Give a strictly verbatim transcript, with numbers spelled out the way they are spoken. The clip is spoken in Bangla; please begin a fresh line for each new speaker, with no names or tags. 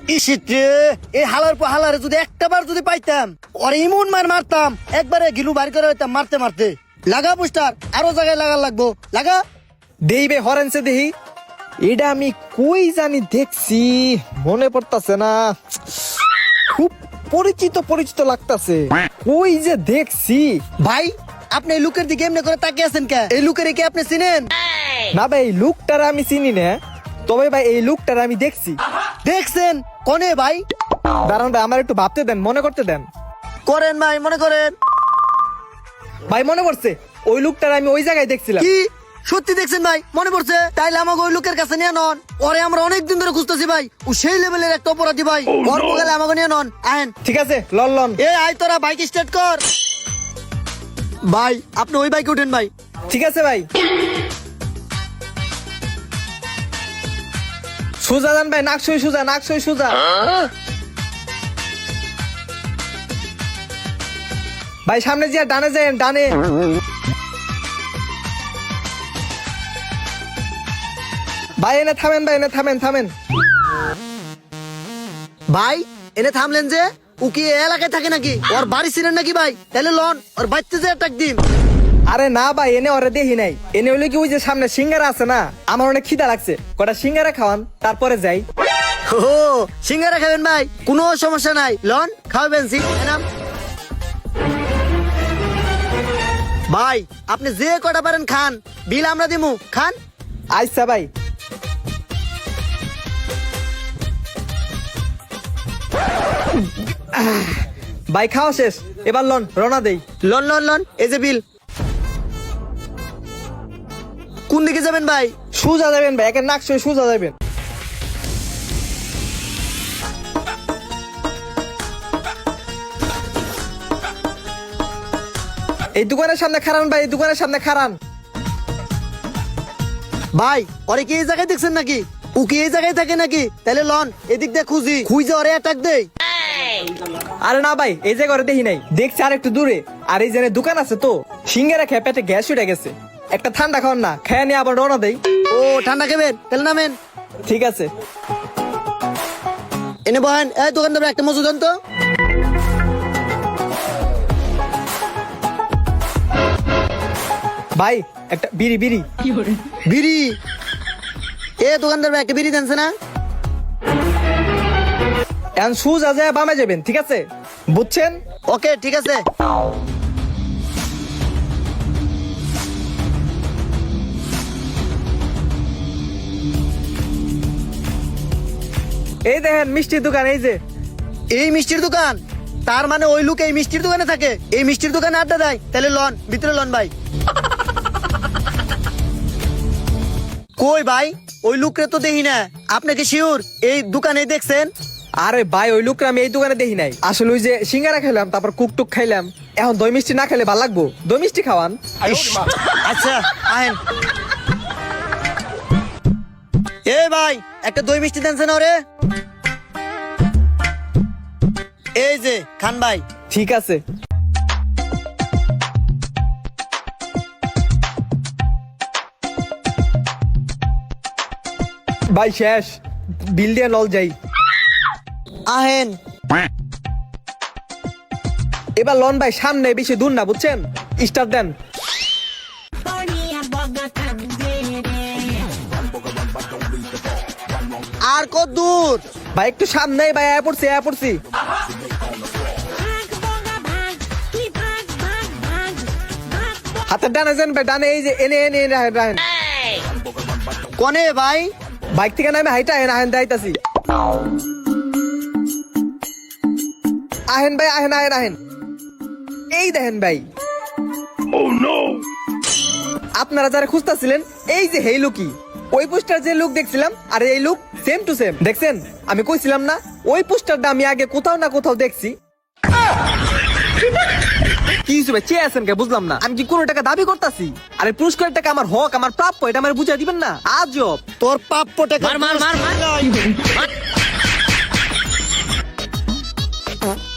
ইসিতে এই হালার পর হালারে যদি একটা বার যদি পাইতাম ওরে ইমন মার মারতাম একবারে গিলু বাড়ি করে হইতাম মারতে মারতে। লাগা পোস্টার আরো জায়গায় লাগা লাগবো লাগা।
দেই বে হরেনছে দেহি এটা আমি কই জানি দেখছি মনে পড়তাছে না, খুব পরিচিত পরিচিত লাগতাছে, কই যে দেখছি।
ভাই আপনি এই লুকের দিকে এমনি করে তাকিয়ে আছেন কে? এই লুকের কি আপনি চিনেন?
না ভাই এই লুকটার আমি চিনি না, তবে ভাই এই লুকটার আমি দেখছি।
দেখছেন কোনে ভাই?
দাঁড়ান ভাই আমার একটু ভাবতে দেন, মনে করতে দেন।
করেন ভাই মনে করেন।
ভাই মনে পড়ছে, ওই লুকটার আমি ওই জায়গায় দেখছিলাম।
কি সত্যি দেখছেন ভাই? মনে পড়ছে? তাইলে আমাকে ওই লোকের কাছে নিয়ে নন। ওরে আমরা অনেকদিন ধরে খুঁজতেছি ভাই, ও সেই লেভেলের একটা অপরাধী ভাই। ওর গেলে আমাকে নিয়ে নন। আহেন।
ঠিক আছে লন লন।
এ আয় তোরা বাইক স্টার্ট কর। ভাই আপনি ওই বাইকে উঠেন ভাই।
ঠিক আছে ভাই। সুজা যান ভাই, নাকসই সুজা, নাকসই সুজা। ভাই সামনে যা, ডানে যান, ডানে। ভাই এনে থামেন, ভাই এনে থামেন, থামেন।
ভাই এনে থামলেন যে? ও কি এই এলাকায় থাকে নাকি? ওর বাড়ি ছিলেন নাকি ভাই? তাহলে লন ওর বাড়িতে যে অ্যাটাক দিন।
আরে না ভাই এনে ওরে দেখি নাই, এনে হইলে কি ওই যে সামনে সিঙ্গারা আছে না, আমার অনেক খিদা লাগছে, কটা সিঙ্গারা খাওয়ান তারপরে যাই।
ও সিঙ্গারা খাবেন ভাই? কোনো সমস্যা নাই, লন খাওয়াবেন। সিঙ্গারা ভাই আপনি যে কটা পারেন খান, বিল আমরা দিমু, খান।
আচ্ছা ভাই। ভাই খাওয়া শেষ, এবার লন রওনা দেই।
লন লন লন, এই যে বিল। কোন দিকে যাবেন ভাই?
সুজা যাবেন ভাই, একের নাক সই সুজা যাবেন। এই দোকানের সামনে খারান ভাই, এই দোকানের সামনে খারান।
ভাই ওরে কি এই জায়গায় দেখছেন নাকি? ও কি এই জায়গায় থাকে নাকি? তাহলে লন এদিক দিয়ে খুঁজি, খুঁজে ওরে অ্যাটাক দেই।
আরে না ভাই এই জায়গা দেখি নাই, দেখছি আর একটু দূরে। আর এই যে দোকান আছে তো, সিঙ্গারা খেয়ে পেটে গ্যাস উঠে গেছে, একটা ঠান্ডা খাওয়ান না, খেয়ে নিয়ে আবার রওনা দেই।
ও ঠান্ডা খাবেন? তাহলে নামেন।
ঠিক আছে।
এনে বহেন। এই দোকানদার একটা মজুদ দেন তো।
ভাই একটা বিড়ি, বিড়ি।
বিড়ি? এ দোকানদার ভাই একটা বিড়ি দেনছে না?
এখন সুজা যায় বামে যাবেন, ঠিক আছে বুঝছেন?
ওকে ঠিক আছে।
এই দেখেন মিষ্টির দোকান, এই যে।
এই মিষ্টির দোকান? তার মানে ওই লোক এই মিষ্টির দোকানে থাকে, এই মিষ্টির দোকানে আড্ডা দেয়? তাহলে লন ভিতরে লন ভাই। কই ভাই ওই লোকরে তো দেখি না। আপনাকে শিওর এই দোকানে দেখছেন?
আরে ভাই ওই লোকরা আমি এই দোকানে দেখি নাই, আসলে ওই যে সিঙ্গারা খেলাম, তারপর কুকটুক খাইলাম, এখন দই মিষ্টি না খেলে ভালো লাগবো, দই মিষ্টি খাওয়ান।
আচ্ছা আহেন। এ ভাই একটা দই মিষ্টি দেনছে না ওরে? এই যে খান ভাই।
ঠিক আছে। ভাই শেষ, বিল দিয়ে লল যাই।
আহেন।
এবার লন ভাই, সামনে বেশি দূর না, বুঝছেন? স্টার্ট দেন।
আর কত দূর
ভাই একটু সামনে, ভাই আয়া পড়ছি, আয়া পড়ছি। হাতের ডানে যান ভাই, ডানে, এই যে এনে এনে এনে রাহেন, রাহেন।
কনে ভাই?
বাইক থেকে নামে হাইটা আহেন, আহেন যাইতাছি। আহেন ভাই, আহেন আহেন আহেন। এই দেখেন ভাই, আপনারা যারা খুঁজতেছিলেন এই যে হেই লুকি, ওই পোস্টার যে লুক দেখছিলাম আর এই লুক সেম টু সেম। দেখছেন আমি কইছিলাম না, ওই পোস্টারটা আমি আগে কোথাও না কোথাও দেখছি। কি হিসেবে চেয়ে আছেন কে বুঝলাম না, আমি কি কোনো টাকা দাবি করতেছি? আরে পুরস্কারের টাকা আমার হক, আমার প্রাপ্য, এটা আমার বুঝাই দিবেন না? আজব।
তোর প্রাপ্য টাকা মার মার মার মার।